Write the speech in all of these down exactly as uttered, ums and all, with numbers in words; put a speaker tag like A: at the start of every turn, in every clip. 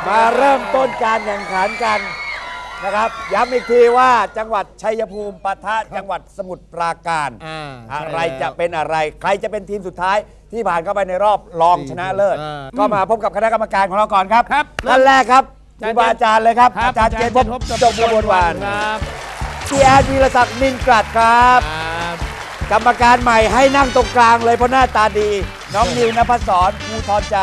A: มาเริ่มต้นการแข่งขันกันนะครับย้ำอีกทีว่าจังหวัดชัยภูมิปะทะจังหวัดสมุทรปราการอะไรจะเป็นอะไรใครจะเป็นทีมสุดท้ายที่ผ่านเข้าไปในรอบรองชนะเลิศก็มาพบกับคณะกรรมการของเราก่อนครับท่านแรกครับครูบาอาจารย์เลยครับอาจารย์เจนพบจบกระบวนวันพี่แอดวีรศักดิ์นินกรัดครับกรรมการใหม่ให้นั่งตรงกลางเลยเพราะหน้าตาดีน้องนิวนภัสสรภูทรใจ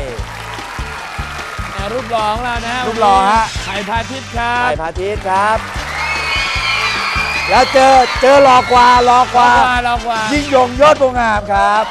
B: รูปหล่อของเรานะ
A: รูปหล่อฮะ
B: ไผ่พาทิตย์ครับ
A: ไผ่พาทิตย์ครับแล้วเจอเจอหล่อกว่าหล่อกว่า
B: หล่อกว่า
A: ยิ่งยงยอดวงงามครับ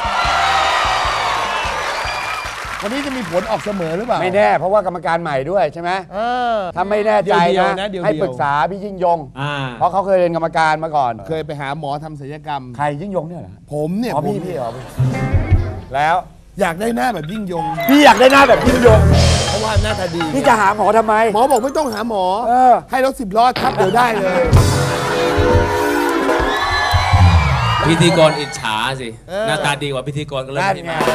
C: วันนี้จะมีผลออกเสมอหรือเปล่า
A: ไม่แน่เพราะว่ากรรมการใหม่ด้วยใช่ไหมถ้าไม่แน่ใจนะให้ปรึกษาพี่ยิ่งยงเพราะเขาเคยเรียนกรรมการมาก่อน
C: เคยไปหาหมอทำศัลยกรรม
A: ใครยิ่งยงเนี่ยเหรอ
C: ผมเนี่ย
A: พี่พี่เหรอแล้ว
C: อยากได้หน้าแบบยิ่งยง
A: พี่อยากได้หน้าแบบยิ่งยง
C: เพราะว่าหน้าตาดี
A: พี่จะหาหมอทำไม
C: หมอบอกไม่ต้องหาหมอให้รถสิบล้อทับเดี๋ยวได้เลย
B: พิธีกรอิจฉาสิหน้าตาดีกว่าพิธีกรก็เลยไม่มา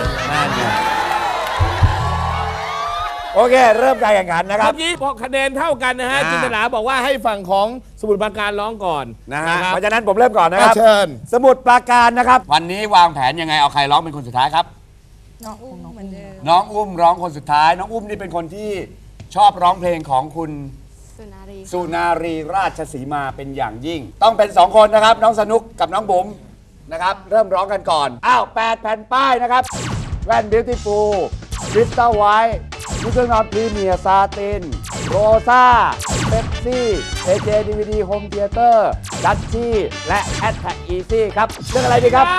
A: โอเคเริ่มการแข่งขันนะครับ
B: เมื่อกี้พอคะแนนเท่ากันนะฮะจินตนาบอกว่าให้ฝั่งของสมุทรปราการร้องก่อน
A: นะฮะเพราะฉะนั้นผมเริ่มก่อนนะครับ
C: เชิญ
A: สมุทรปราการนะครับวันนี้วางแผนยังไงเอาใครร้องเป็นคนสุดท้ายครับ
D: น้องอุ้มน้องเหมือนเดิม
A: น้องอุ้มร้องคนสุดท้ายน้องอุ้มนี่เป็นคนที่ชอบร้องเพลงของคุณ
D: สุนารี
A: สุนารีราชสีมาเป็นอย่างยิ่งต้องเป็นสองคนนะครับน้องสนุกกับน้องบุ๋มนะครับเริ่มร้องกันก่อนอ้าวแปดแผ่นป้ายนะครับแว่นบิวตี้ฟูลคริสตัลไวท์นิวเครื่องนอนพรีเมียร์ซาตินโรซ่าเป๊ปซี่เอเจดีวีดีโฮมเธียเตอร์ดัชชี่และแอดแท็กอีซี่ครับเรื่องอะไรดีครับ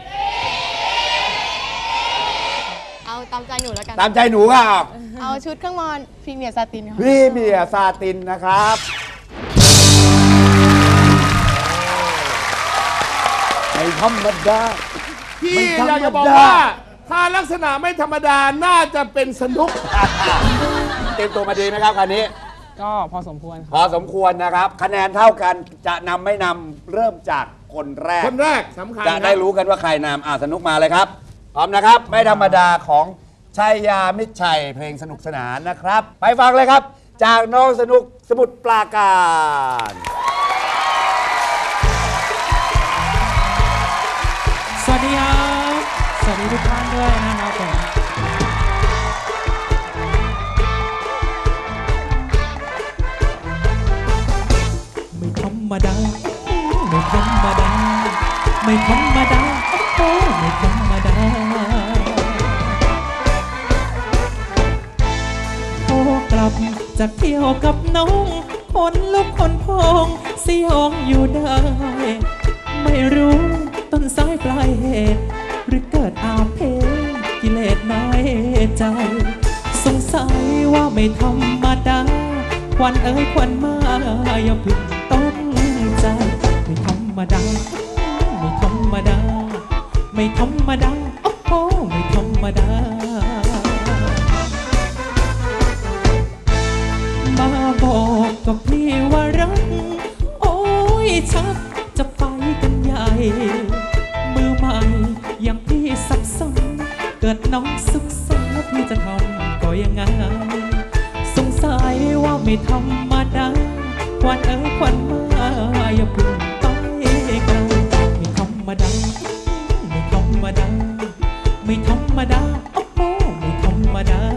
D: เอาตามใจหนูแล้วกัน
A: ตามใจหนูครับ
D: เอาชุดเครื่องนอนพรีเมียร์ซาตินค่ะ
A: พรีเมียร์ซาตินนะครับไม่ธรรมดา
C: พี่อยากจะบอกว่าถ้าลักษณะไม่ธรรมดาน่าจะเป็นสนุก
A: เตรียมตัวมาดีไหมครับคราวนี้
D: ก็พอสมควร
A: พอสมควรนะครับคะแนนเท่ากันจะนำไม่นำเริ่มจากคนแรก
C: คนแรกสำคัญ
A: จะได้รู้กันว่าใครนำอ่าสนุกมาเลยครับพร้อมนะครับไม่ธรรมดาของชัยยามิตรชัยเพลงสนุกสนานนะครับไปฟังเลยครับจากน้องสนุกสมุทรปราการ
E: สวัสดีครับสวัสดีทุกท่านด้วยนะครับผมไม่ธรรมดาไม่ธรรมดาไม่ธรรมดาโอ้ไม่ธรรมดาโอ้กลับจากเที่ยวกับน้องคนลุกคนพองสยองอยู่ได้ไม่รู้ต้นสายปลายเหตุหรือเกิดอาเพศกิเลสน้อยใจสงสัยว่าไม่ธรรมดาควันเอ้ยควันมาอย่าพึ่งต้องใจไม่ธรรมดาไม่ธรรมดาไม่ธรรมดาโอ้โหไม่ธรรมดามาบอกกับพี่ว่ารักโอ้ยชักจะไปกันใหญ่มือใหม่อย่างพี่สับสนเกิดน้องสุขสนพี่จะทำก็ยังไงสงสัยว่าไม่ธรรมดาควันเอ้ยควันมาอย่าพึ่งไปไกลไม่ธรรมดาไม่ธรรมดาไม่ธรรมดาโอ้โหไม่ธรรมดา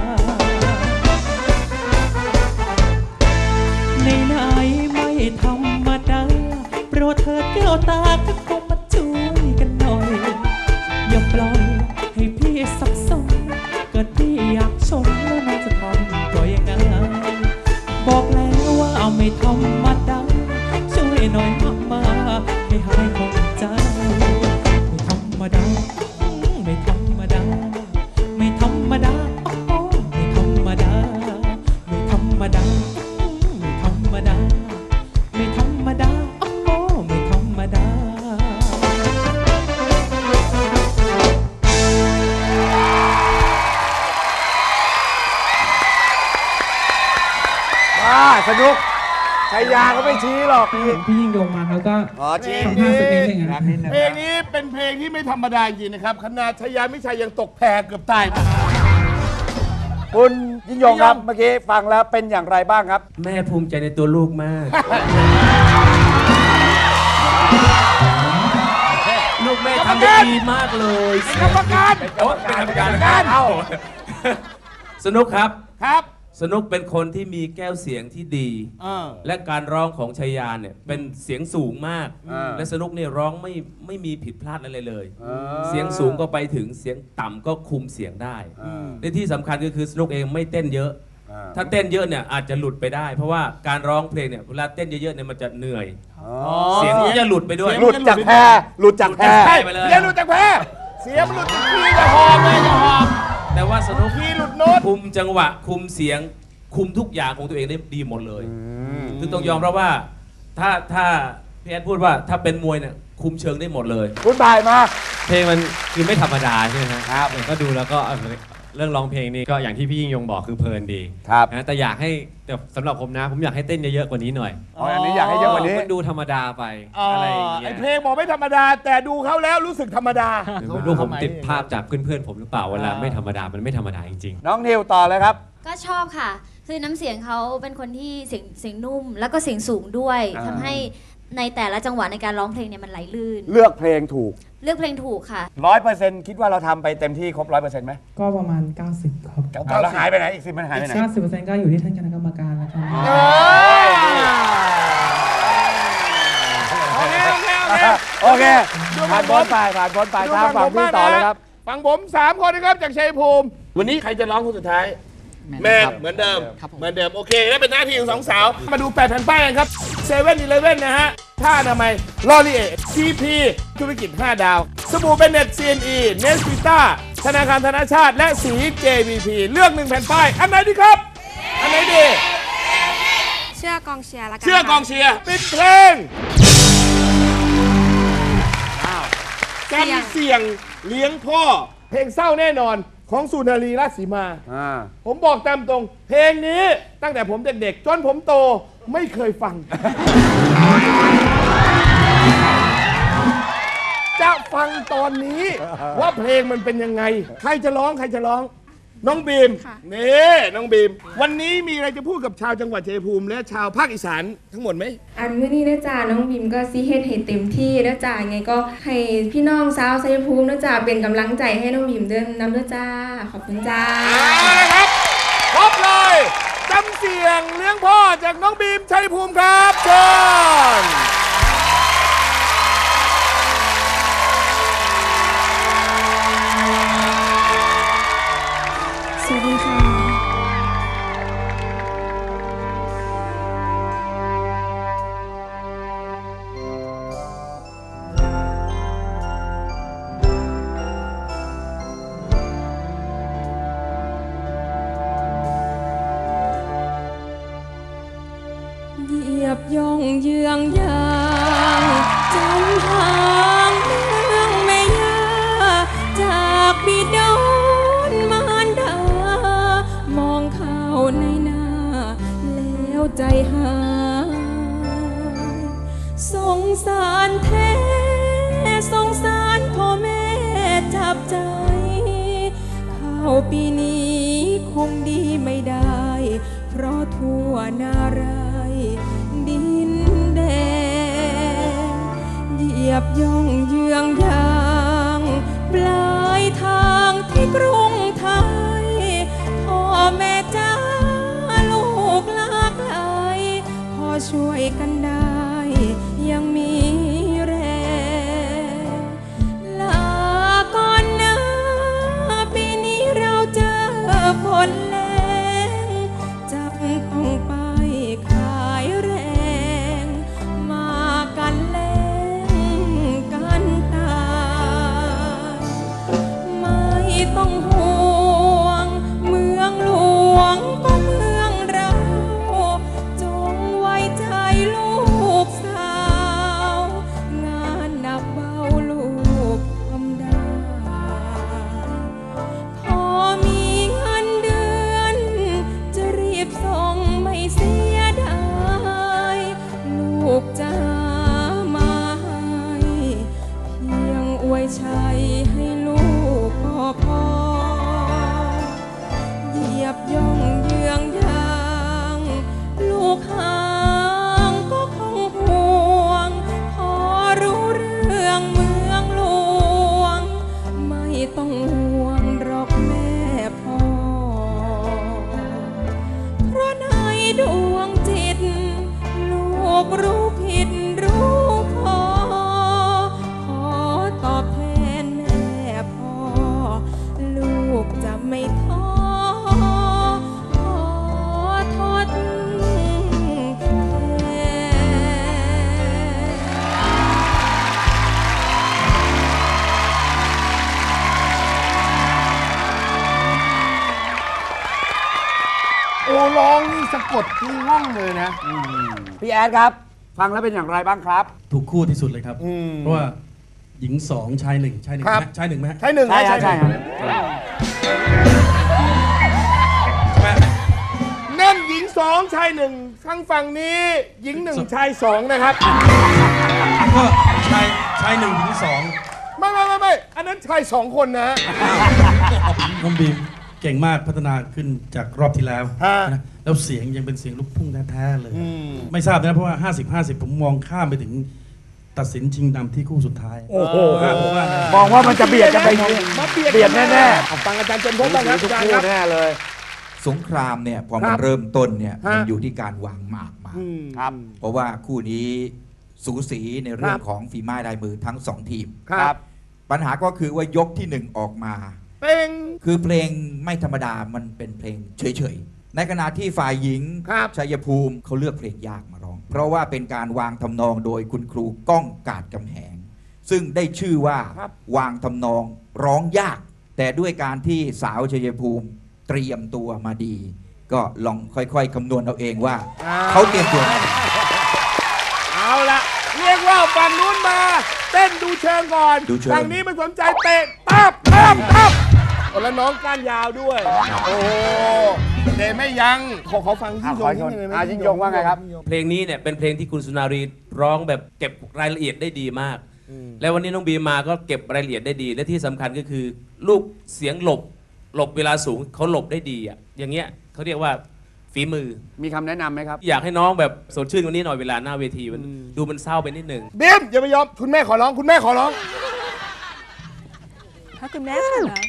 E: ในไหนไม่ธรรมดาโปรดเถิดแก้วตาทักคงมาช่วยกันหน่อยอย่าปล่อยให้พี่สับสนเกิดพี่อยากชมแล้วน้องจะทำก็ยังไงบอกแล้วว่าไม่ธรรมดาช่วยหน่อยมากมาให้หายคงใจไม่ธรรมดาไม่ธรรมดาไม่ธรรมดาโอ้โหไม่ธรรมดาไม่ธรรมดาไม่ธรรมดาไม่ธรรมดาโอ้โหไม่ธรรมดา
A: สนุกชัยยาเขาไม่ชี้หรอก
E: พี่พี่ยิ่งยงมาเขาก็
A: ชี้
E: ทำท่าสักนิดนึงนะ
C: เพลงนี้เป็นเพลงที่ไม่ธรรมดาจริงนะครับคณะชัยยามิตรชัยยังตกแพเกือบตาย
A: คุณยิ่งยงครับเมื่อกี้ฟังแล้วเป็นอย่างไรบ้างครับ
B: แม่ภูมิใจในตัวลูกมาก ลูกแม่ทำได้ดีมากเลยกรรมการเป็นกรรมการเอาสนุกครับ
C: ครับ
B: สนุกเป็นคนที่มีแก้วเสียงที่ดี และการร้องของชัยยาเนี่ยเป็นเสียงสูงมาก และสนุกเนี่ยร้องไม่ไม่มีผิดพลาดอะไรเลย เสียงสูงก็ไปถึงเสียงต่ำก็คุมเสียงได้และที่สำคัญก็คือสนุกเองไม่เต้นเยอะ ถ้าเต้นเยอะเนี่ยอาจจะหลุดไปได้ เพราะว่าการร้องเพลงเนี่ยเวลาเต้นเยอะๆเนี่ยมันจะเหนื่อยเสียงมันจะหลุดไปด้วย
A: หลุดจากแพรหลุดจากแพร
B: ใช่ไปเลย
C: เสียงหลุดจากแพ้เสียงหลุดจากคีย์จะหอบเลยจะหอบ
B: แต่ว่าสนุก
C: คีย์หลุดโน้ต
B: คุมจังหวะคุมเสียงคุมทุกอย่างของตัวเองได้ดีหมดเลยคือต้องยอมรับว่าถ้าถ้าพี่แอดพูดว่าถ้าเป็นมวยเนี่ยคุมเชิงได้หมดเลย
A: คุณบ่ายมา
F: เพลงมันคือไม่ธรรมดาใช่ไหมครับก็ดูแล้วก็เอ่อเรื่องร้องเพลงนี่ก็อย่างที่พี่ยิ่งยงบอกคือเพลินดี
A: ครับ
F: นะแต่อยากให้แต่สำหรับผมนะ ผมอยากให้เต้นเยอะๆกว่านี้หน่อย
A: อ๋ออันนี้อยากให้เยอะกว่านี้
F: มันดูธรรมดาไป
C: อ๋อ
F: อะไรอย่าง
C: ไอ
F: เงี้ย
C: เพลงบอกไม่ธรรมดา แต่ดูเขาแล้วรู้สึกธรรมดา
F: ไม่รู้ผมติดภาพจากเพื่อนๆผมหรือเปล่าเวลาไม่ธรรมดามันไม่ธรรมดาจริงๆ
A: น้องนิวต่อเลยครับ
G: ก็ชอบค่ะ คือน้ำเสียงเขาเป็นคนที่เสียงเสียงนุ่ม แล้วก็เสียงสูงด้วย
A: อ่า
G: ทำให้ในแต่ละจังหวะในการร้องเพลงเนี่ยมันไหลลื่น
A: เลือกเพลงถูก
G: เลือกเพลงถูกค่ะ
A: ร้อยเปอร์เซ็นต์คิดว่าเราทำไปเต็มที่ครบร้อยเปอร์เซ็นต์ไหม
H: ก็ประมาณ เก้าสิบ ครับ
A: แล้วหายไปไหนอีกสิบมันหายไปไหน
H: เก้าสิบเปอร์เซ็นต์ก็อยู่ที่ท่านคณะกรรมการแล้วครับ
C: โอเคโอเคโอเค
A: โอเค
C: ดู
A: ผ่านพ้นไปผ่านพ้นไปทางฝั่งที่ต่อเลยครับ
C: ฝั่งผมสามคนนะครับจากชัยภูมิ วันนี้ใครจะร้องคนสุดท้าย แมนเหมือนเดิม เหมือนเดิม โอเคได้เป็นหน้าที่ของสองสาว มาดูแปดแผ่นป้ายกันครับเซเว่นอีเลฟเว่นนะฮะท่าอนามัยลอรีเอทีพีธุรกิจห้าดาว สบู่เบนเน็ตซีเอ็นอีเนสพิต้าธนาคารธนชาติและสี เจ วี พี เลือกหนึ่งแผ่นป้าย อันไหนดีครับ อันไหนดี
D: เชื่อกองเชียร์ละกัน
C: เชื่อกองเชียร์ปิดเพลงกันเสี่ยงเลี้ยงพ่อ เพลงเศร้าแน่นอนของสุนารีราชสีมา ผมบอกตามตรง เพลงนี้ตั้งแต่ผมเด็กๆ จนผมโตไม่เคยฟัง จะฟังตอนนี้ว่าเพลงมันเป็นยังไง ใครจะร้องใครจะร้อง น้องบีม นี่น้องบีม วันนี้มีอะไรจะพูดกับชาวจังหวัดชัยภูมิและชาวภาคอีสานทั้งหมดไหม
I: อันมื้อนี้นะจ๊ะน้องบิมก็ซีเฮ็ดให้เต็มที่นะจ๊ะไงก็ให้พี่น้องชาวชัยภูมินะจ๊ะเป็นกำลังใจให้น้องบิมเดินนำด้วยจ้าขอบคุณจ้า
C: เอาละครับครบเลยจำเสียงเลี้ยงพ่อจากน้องบีมชัยภูมิครับเชิญ
I: สวัสดีค่ะ เหยียบย่องเยืองยางจำหางเรื่องแม่ยาจากบิดอนมารดามองเข้าในหน้าแล้วใจหายสงสารแท้สงสารพ่อแม่จับใจเข้าปีนี้คงดีไม่ได้เพราะทั่วหน้ารายดินแดนเหยียบย่องเยืองยางปลายทางที่กรุงไทยพ่อแม่จ้าลูกหลากหลายพอช่วยกันได้ยังมีแรงลาก่อนนะปีนี้เราเจอฝนแรงจับต้องไปขายแรงมากันแรงกันตายไม่ต้องห่วงเมืองหลวงก็เมืองเราจงไว้ใจลูกสาวงานหนักเบาลูกทำได้พอมีเงินเดือนจะรีบส่งไม่เสียดายลูกจะหามาให้เพียงอวยชัยให้ลูกก็พอ
C: ร้องนี่สะกดที่ห้องเลยนะ
A: พี่แอดครับ ฟังแล้วเป็นอย่างไรบ้างครับ
J: ถูกคู่ที่สุดเลยครับ เพราะว่าหญิงสองชายหนึ่งชายหนึ่ง
C: ครับ
J: ไหมชายหนึ่งไหม
C: ใช่หนึ่ง
A: ใช่
C: นะ
A: ใช่
C: ใช่
A: ใช่
C: หนึ่ง
A: ครับ
J: ใช่ไหม
C: นั่นหญิงสองชายหนึ่งข้างฝั่งนี้ หญิงหนึ่งชายสองนะครับ
J: ก็ชายชายหนึ่งหญิงสอง
C: ไม่ไม่ไม่ไม่อันนั้นชายสองคนนะ
J: น้องบีมเก่งมากพัฒนาขึ้นจากรอบที่แล้ว
C: ฮะ
J: นะแล้วเสียงยังเป็นเสียงลูกทุ่งแท้ๆเลย ไม่ทราบนะเพราะว่า ห้าสิบ ห้าสิบ ผมมองข้ามไปถึงตัดสินชิงดำที่คู่สุดท้าย
A: โอ้โห
J: ผมว่านะ
A: มองว่ามันจะเบียดกันไป
C: มาเบียด
A: เบียดแน่ๆ
C: เอาฟังอาจารย์เจนพบบ้างครับ
A: ทุก
C: อาจารย์
A: คู่
C: ครับ
A: แน่เลย
K: สงครามเนี่ยพอ
C: ค
K: มัน
C: รับ
K: เริ่มต้นเนี่ย
C: ฮะ
K: มันอยู่ที่การวางหมากมา
A: ครับ
K: เพราะว่าคู่นี้สูสีในเรื่อ
C: ค
K: ง
C: รับ
K: ของฝีไม้ลายมือทั้งสองทีม
C: ครับ
K: ปัญหาก็คือว่ายกที่หนึ่งออกมา
C: เป็น
K: คือเพลงไม่ธรรมดามันเป็นเพลงเฉยๆ ในขณะที่ฝ่ายหญิง
C: ครับ
K: ชัยภูมิเขาเลือกเพลงยากมาร้อง เพราะว่าเป็นการวางทำนองโดยคุณครูก้องกาดกำแหง ซึ่งได้ชื่อว่า
C: ครับ
K: วางทำนองร้องยาก แต่ด้วยการที่สาวชัยภูมิเตรียมตัวมาดี ก็ลองค่อยๆคำนวณเอาเองว่า เขาเตรียมตัวมาดี
C: เอาละเรียกว่าฝั่งนู้นมา เต้นดูเชิงก่อน
K: ดูเชิง
C: ฝั่งนี้ไม่สนใจเตะตับตับตับแล้วน้องก้านยาวด้วย โอ้โหเดไม่ยั้งขอขอฟังยิ่งยง
A: อ่ะขอ
C: นิดนึงเลยไหม
A: อ่ะยิ่งยงว่าไงครับ
B: เพลงนี้เนี่ยเป็นเพลงที่คุณสุนารีร้องแบบเก็บรายละเอียดได้ดีมาก แล้ววันนี้น้องบีมาก็เก็บรายละเอียดได้ดี และที่สำคัญก็คือ ลูกเสียงหลบหลบเวลาสูงเขาหลบได้ดีอ่ะอย่างเงี้ยเขาเรียกว่าฝีมือ
A: มีคำแนะนำไหมครับ
B: อยากให้น้องแบบสดชื่นกว่านี้หน่อยเวลาหน้าเวทีมันดูมันเศร้าไปนิดนึง
C: บีมอย่าไปยอมคุณแม่ขอร้องคุณแม่ขอร้อง
D: ถ้าคุณแม่ขอร้อง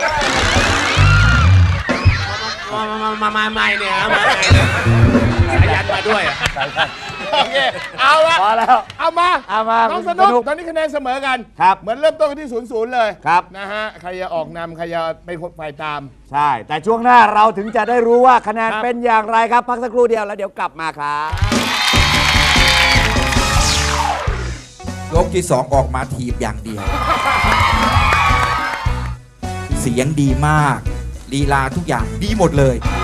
B: มามามามาใหม่เนี่ยมาสายันมาด้วยอ่ะ
C: โอเค เอาละ
A: พอแล้ว
C: เอามา
A: เอามา
C: น้อง
A: คุ
C: ส
A: ณ
C: นุก
A: สนุก
C: ตอนนี้คะแนนเสมอกัน
A: ครับ
C: เหมือนเริ่มต้นกันที่ศูนย์ศูนย์เลย
A: ครับ
C: นะฮะ ใครจะออกนำใครจะเป็นคนฝ่ายตาม
A: ใช่ แต่ช่วงหน้าเราถึงจะได้รู้ว่าคะแนน
C: ครับ
A: เป็นอย่างไรครับ พักสักครู่เดียวแล้วเดี๋ยวกลับมาครับ
K: ยกที่สองออกมาทีบอย่างเดียว เสียงดีมากลีลาทุกอย่างดีหมดเลย